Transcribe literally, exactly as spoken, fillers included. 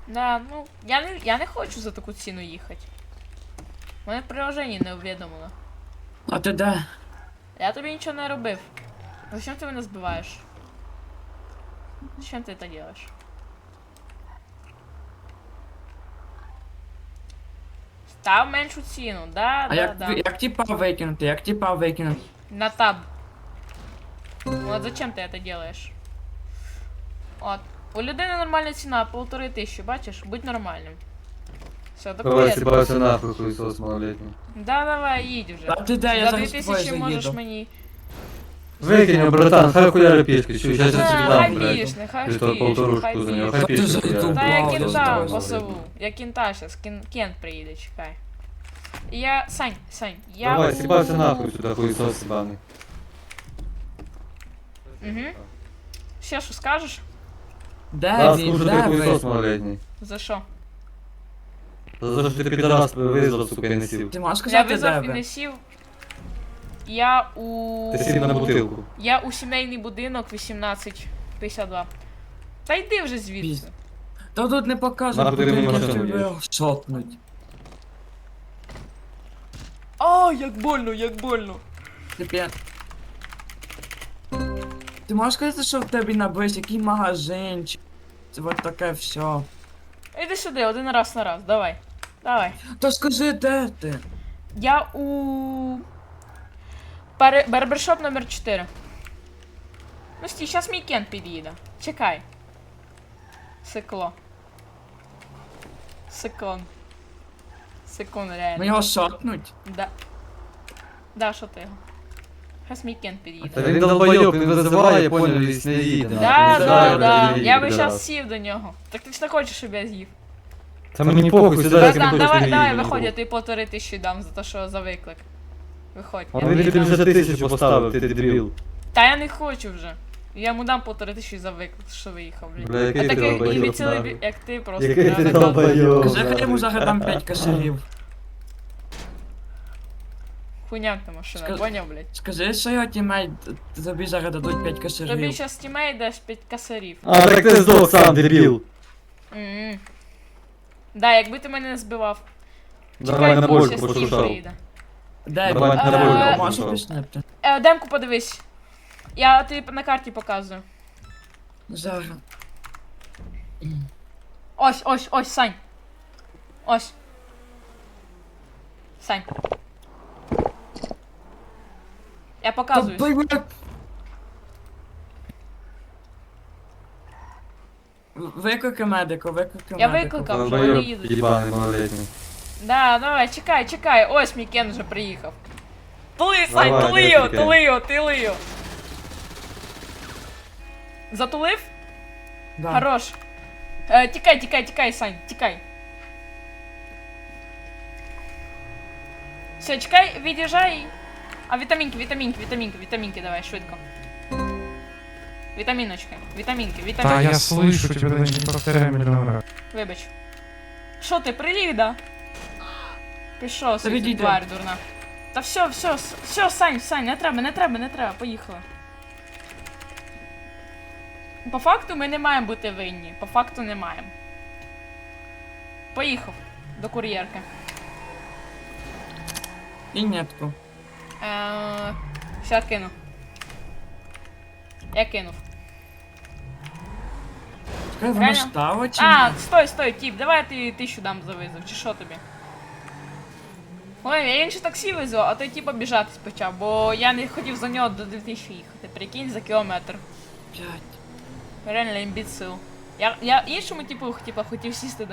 Да, ну, я не, я не хочу за таку ціну їхати. Мене в приложенні не увідомило. А ти де? Я тобі нічого не робив. Зачем ти мене збиваєш? Зачем ти це робиш? Став меншу ціну, да, А да, як, да. як типа викинути? Як типа викинути? На таб. Вот зачем ты это делаешь? От. У людини нормальна ціна, полтори тисячі, бачиш? Будь нормальним. Все, Давай, такое. съебался нахуй, хуесос малолетний. Да, давай, їдь вже. А ти де? Я За зараз дві з тобою тисячі можеш заїду. мені. Выкинь его, братан, хай хуяри пешки, чё, сейчас я тебе А, дам, хай блядь. біж, нехай Или то біж, полторушку хай за него, біж. хай Та ти пешки за хуяри. ту Та я Вау, кінта давай, посову. Я кінта щас, кін, кент приїде, чекай. Я, Сань, Сань, я Давай, у... съебался нахуй сюда, хуесос ебаный. Угу. Ще що скажеш? Де Да, він? слушай, ты Де хуесос ви? малолетний. За що? За то, что ты пидорас вызвал, сука, и носил. Ти можеш Я сказати, де визвав і ви? не сів. Я у... Ты сильно на бутылку. Я у сімейний будинок вісімнадцять п'ятдесят два. Та йди вже звідси. Пізд- Та тут не покажуть, Нахуй ти мені будинки машину тебе їдеш? шотнуть. А, як больно, як больно. Тепер... Ти можеш сказати, що в тебе на бись, який магазинчик? Це от таке все. Іди сюди, один раз на раз, давай. Давай. Та скажи, де ти? Я у... Баре... Барбершоп номер чотири. Ну стій, щас мій кент під'їде. Чекай. Секло. Секунд. Секунд, реально. Ми його шотнуть? Да. Да, що ти його? Щас мій кент під'їде. Да він долбоёб, він визиває, понял, і не їде. Да, нахуй. да, Визиває, да. блядь, і Я би пидорас. щас сів до нього. Так ти ж не хочеш, щоб я з'їв. Та мені похуй, сюди, як Братан, не давай, хочеш, давай, не виходь, я їде. тобі полтори тисячі дам за те, що за виклик. Виходь. я Он тобі тобі дам. вже тисячу поставив, ти дебіл. Та я не хочу вже. Я йому дам полтори тисячі за виклик, що виїхав, блін. Бля, який А ти такий долбоёб, імбецилий, нахуй. бі- як ти просто. Який ти я- долбоёб. Кажи, хай йому нахуй. зараз дам п'ять косарів. Хуйняк та машина, Скажи- поняв, блядь? Скажи, що його тімейт тобі зараз дадуть п'ять Тобі косарів. щас тімей дасть п'ять косарів. А, так ти здох сам, дебіл. М-м. Да, якби ти мене не збивав. Давай на тут, больку щас Стів пошуршав. приїде. Де Давай він? на Де вулицю він? Можеш пішов. об'яснити? Е, демку подивись. Я тобі на карті показую. Зараз. Ось, ось, ось, Сань. Ось. Сань. Я Та, показую. блядь. Викликай медику, викликай Я медику. викликав, вже вони Долбоёб, їдуть. єбаний малолетний. Да, давай, чекай, чекай. Ось мій кен вже приїхав. Тули, Сань, Давай, тули його, викликай. тули його, тули його. Затулив? Да. Хорош. Е, тікай, тікай, тікай, Сань, тікай. Все, чекай, від'їжджай. А вітамінки, вітамінки, вітамінки, вітамінки давай, швидко. Вітаміночки, вітамінки, Да, вітамінки. я слышу тебя, даже не повторяй миллион раз. Вибач. Що ти, приліг, да? Пішов, свій відійди. тварь дурна. Та все, все, с- все, Сань, Сань, не треба, не треба, не треба, поїхали. По факту ми не маємо бути винні. По факту не маємо. Поїхав до кур'єрки. І нетку. Е, Ща кину. Я кинув. Чекай, воно Реально? стало чи А, ні? стой, стой, тіп, давай я тобі тисячу дам за визов, чи що тобі? Ой, я інше таксі визвав, а той тіп обіжатись почав, бо я не хотів за нього до дві тисячі їхати, прикинь, за кілометр. П'ять. Реально імбіцил. Я, я іншому типу, типу хотів сісти до